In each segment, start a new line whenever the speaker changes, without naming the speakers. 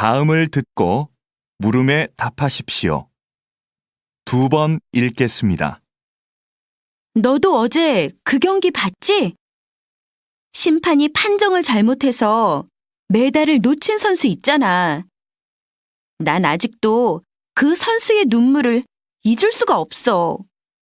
다음을 듣고 물음에 답하십시오. 2번 읽겠습니다.
너도 어제 그 경기 봤지? 심판이 판정을 잘못해서 메달을 놓친 선수 있잖아. 난 아직도 그 선수의 눈물을 잊을 수가 없어.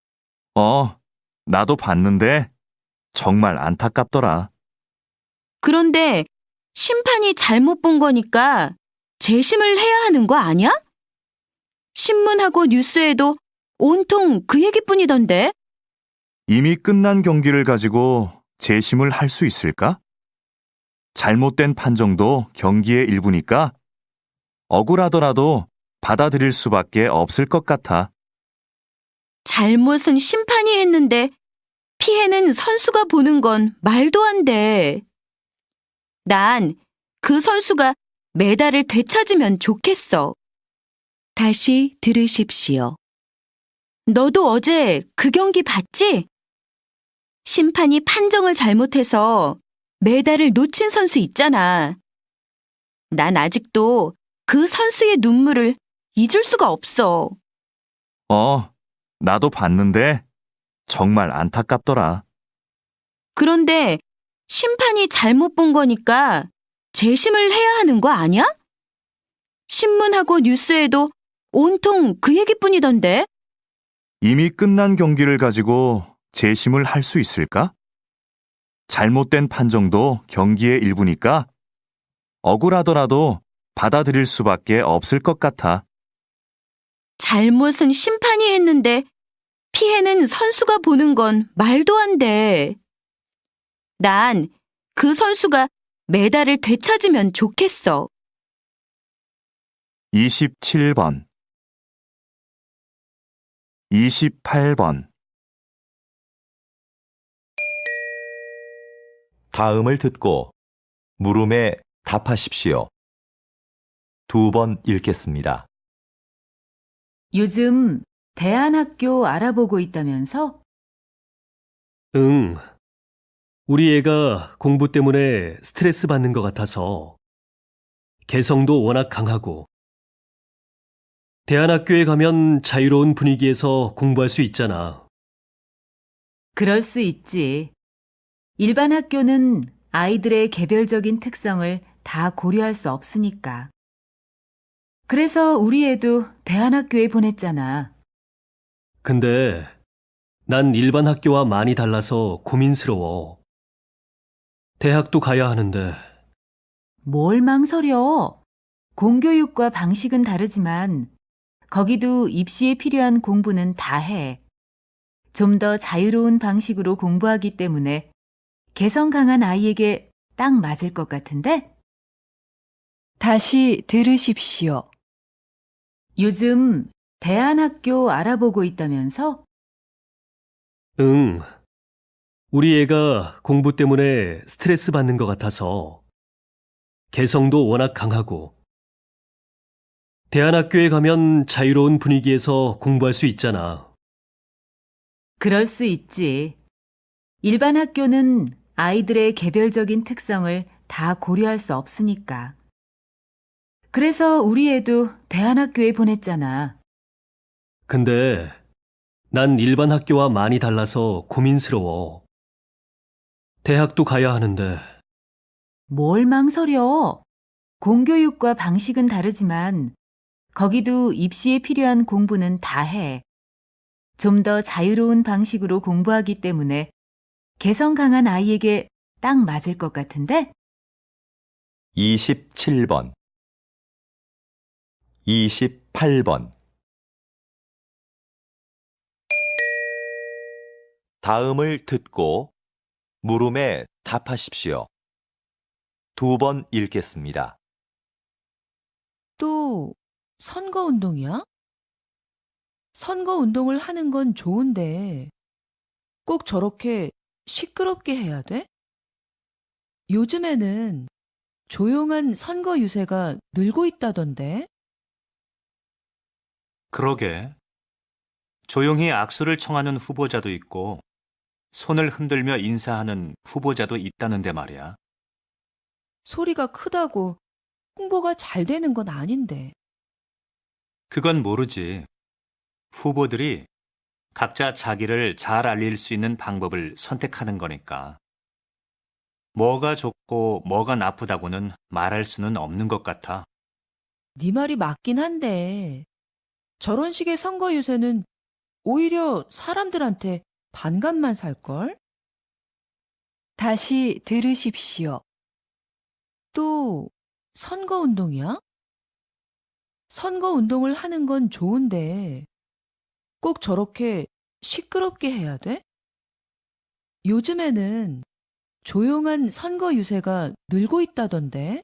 나도 봤는데 정말 안타깝더라.
그런데 심판이 잘못 본 거니까 재심을 해야 하는 거 아니야? 신문하고 뉴스에도 온통 그 얘기뿐이던데.
이미 끝난 경기를 가지고 재심을 할 수 있을까? 잘못된 판정도 경기의 일부니까 억울하더라도 받아들일 수밖에 없을 것 같아.
잘못은 심판이 했는데 피해는 선수가 보는 건 말도 안 돼. 난 그 선수가 메달을 되찾으면 좋겠어. 다시 들으십시오. 너도 어제 그 경기 봤지? 심판이 판정을 잘못해서 메달을 놓친 선수 있잖아. 난 아직도 그 선수의 눈물을 잊을 수가 없어.
나도 봤는데 정말 안타깝더라.
그런데 심판이 잘못 본 거니까 재심을 해야 하는 거 아니야? 신문하고 뉴스에도 온통 그 얘기뿐이던데.
이미 끝난 경기를 가지고 재심을 할 수 있을까? 잘못된 판정도 경기의 일부니까 억울하더라도 받아들일 수밖에 없을 것 같아.
잘못은 심판이 했는데 피해는 선수가 보는 건 말도 안 돼. 난 그 선수가 메달을 되찾으면 좋겠어.
27번 28번
다음을 듣고 물음에 답하십시오. 2번 읽겠습니다.
요즘 대안학교 알아보고 있다면서?
응. 우리 애가 공부 때문에 스트레스 받는 것 같아서 개성도 워낙 강하고 대안학교에 가면 자유로운 분위기에서 공부할 수 있잖아.
그럴 수 있지. 일반 학교는 아이들의 개별적인 특성을 다 고려할 수 없으니까. 그래서 우리 애도 대안학교에 보냈잖아.
근데 난 일반 학교와 많이 달라서 고민스러워. 대학도 가야 하는데
뭘 망설여? 공교육과 방식은 다르지만 거기도 입시에 필요한 공부는 다 해. 좀 더 자유로운 방식으로 공부하기 때문에 개성 강한 아이에게 딱 맞을 것 같은데?
다시 들으십시오.
요즘 대안학교 알아보고 있다면서?
응. 우리 애가 공부 때문에 스트레스 받는 것 같아서 개성도 워낙 강하고 대안학교에 가면 자유로운 분위기에서 공부할 수 있잖아.
그럴 수 있지. 일반 학교는 아이들의 개별적인 특성을 다 고려할 수 없으니까. 그래서 우리 애도 대안학교에 보냈잖아.
근데 난 일반 학교와 많이 달라서 고민스러워. 대학도 가야 하는데
뭘 망설여? 공교육과 방식은 다르지만 거기도 입시에 필요한 공부는 다 해. 좀 더 자유로운 방식으로 공부하기 때문에 개성 강한 아이에게 딱 맞을 것 같은데?
27번 28번 다음을 듣고 물음에 답하십시오. 2번 읽겠습니다.
또 선거운동이야? 선거운동을 하는 건 좋은데 꼭 저렇게 시끄럽게 해야 돼? 요즘에는 조용한 선거 유세가 늘고 있다던데?
그러게. 조용히 악수를 청하는 후보자도 있고 손을 흔들며 인사하는 후보자도 있다는데 말이야.
소리가 크다고 홍보가 잘 되는 건 아닌데.
그건 모르지. 후보들이 각자 자기를 잘 알릴 수 있는 방법을 선택하는 거니까. 뭐가 좋고 뭐가 나쁘다고는 말할 수는 없는 것 같아.
네 말이 맞긴 한데 저런 식의 선거 유세는 오히려 사람들한테 반감만 살걸?
다시 들으십시오.
또 선거 운동이야? 선거 운동을 하는 건 좋은데 꼭 저렇게 시끄럽게 해야 돼? 요즘에는 조용한 선거 유세가 늘고 있다던데.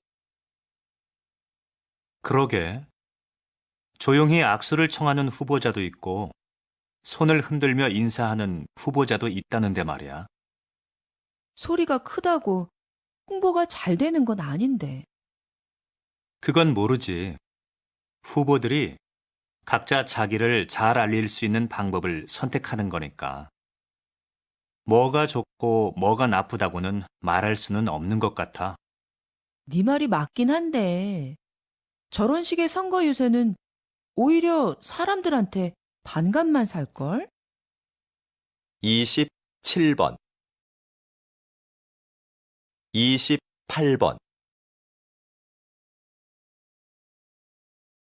그러게. 조용히 악수를 청하는 후보자도 있고, 손을 흔들며 인사하는 후보자도 있다는데 말이야.
소리가 크다고 홍보가 잘 되는 건 아닌데.
그건 모르지. 후보들이 각자 자기를 잘 알릴 수 있는 방법을 선택하는 거니까. 뭐가 좋고 뭐가 나쁘다고는 말할 수는 없는 것 같아.
네 말이 맞긴 한데 저런 식의 선거 유세는 오히려 사람들한테 반감만 살걸?
27번 28번